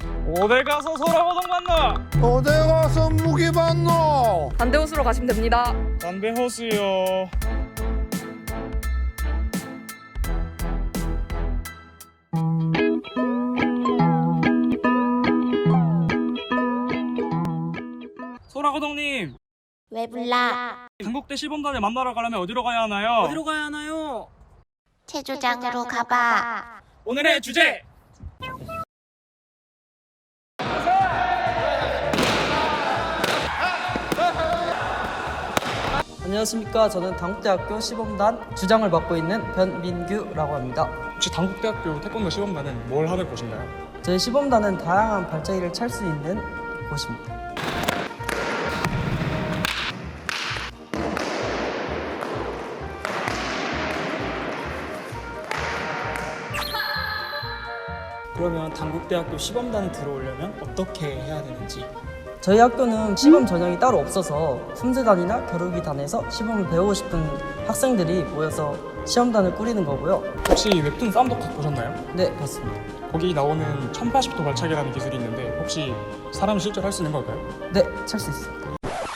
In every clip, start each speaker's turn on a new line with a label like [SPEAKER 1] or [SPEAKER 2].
[SPEAKER 1] 어딜 가서 소라고동 만나?
[SPEAKER 2] 어디 가서 무기 받노?
[SPEAKER 3] 반대 호수로 가시면 됩니다.
[SPEAKER 1] 담배 호수요. 소라고동님,
[SPEAKER 4] 왜 불러?
[SPEAKER 1] 당국대 시범단을 만나러 가려면 어디로 가야 하나요? 어디로 가야 하나요?
[SPEAKER 4] 체조장으로 가봐.
[SPEAKER 1] 오늘의 주제!
[SPEAKER 5] 안녕하십니까. 저는 당국대학교 시범단 주장을 맡고 있는 변민규라고 합니다.
[SPEAKER 1] 혹시 당국대학교 태권도 시범단은 뭘 하는 곳인가요?
[SPEAKER 5] 저희 시범단은 다양한 발자기를 찰 수 있는 곳입니다.
[SPEAKER 6] 그러면 당국대학교 시범단에 들어오려면 어떻게 해야 되는지.
[SPEAKER 5] 저희 학교는 시범 전형이 따로 없어서 품새단이나 겨루기단에서 시범을 배우고 싶은 학생들이 모여서 시험단을 꾸리는 거고요.
[SPEAKER 1] 혹시 웹툰 쌈독학 보셨나요?
[SPEAKER 5] 네, 봤습니다.
[SPEAKER 1] 거기 나오는 1080도 발차기라는 기술이 있는데 혹시 사람이 실제로 할 수 있는 걸까요?
[SPEAKER 5] 네, 찰 수 있습니다.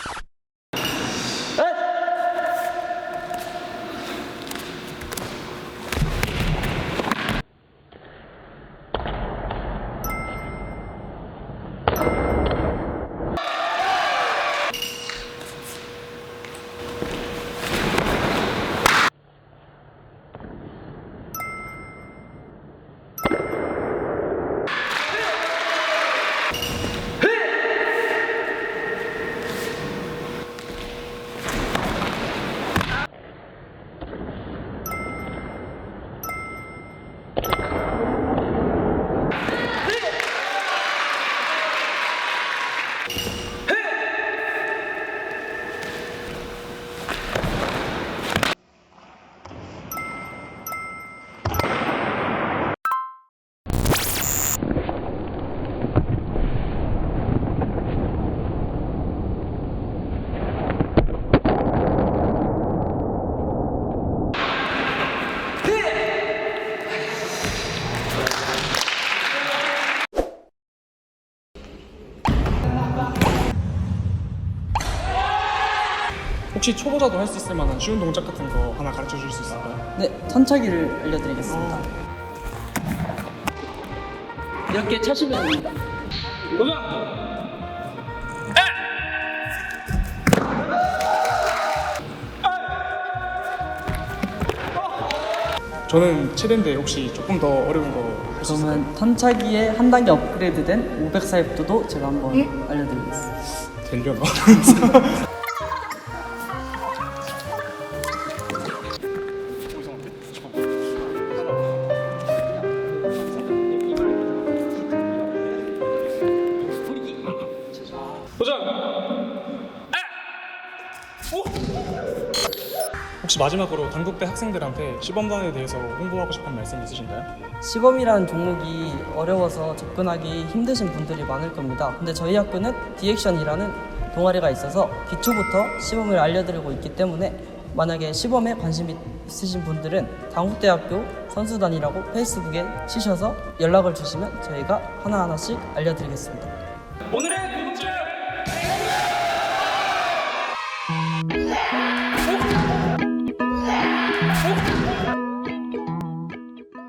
[SPEAKER 1] 혹시 초보자도 할 수 있을 만한 쉬운 동작 같은 거 하나 가르쳐 줄 수 있을까요?
[SPEAKER 5] 네, 턴차기를 알려드리겠습니다. 이렇게 차시면 됩니다.
[SPEAKER 1] 저는 7인데 혹시 조금 더 어려운 거 할 수 있을까요?
[SPEAKER 5] 그러면 턴차기에 한 단계 업그레이드된 504F도 제가 한번 알려드리겠습니다.
[SPEAKER 1] 되려나? 도전! 혹시 마지막으로 당국대 학생들한테 시범단에 대해서 홍보하고 싶은 말씀 있으신가요?
[SPEAKER 5] 시범이라는 종목이 어려워서 접근하기 힘드신 분들이 많을 겁니다. 근데 저희 학교는 디액션이라는 동아리가 있어서 기초부터 시범을 알려드리고 있기 때문에 만약에 시범에 관심 있으신 분들은 당국대학교 선수단이라고 페이스북에 치셔서 연락을 주시면 저희가 하나하나씩 알려드리겠습니다.
[SPEAKER 1] 오늘의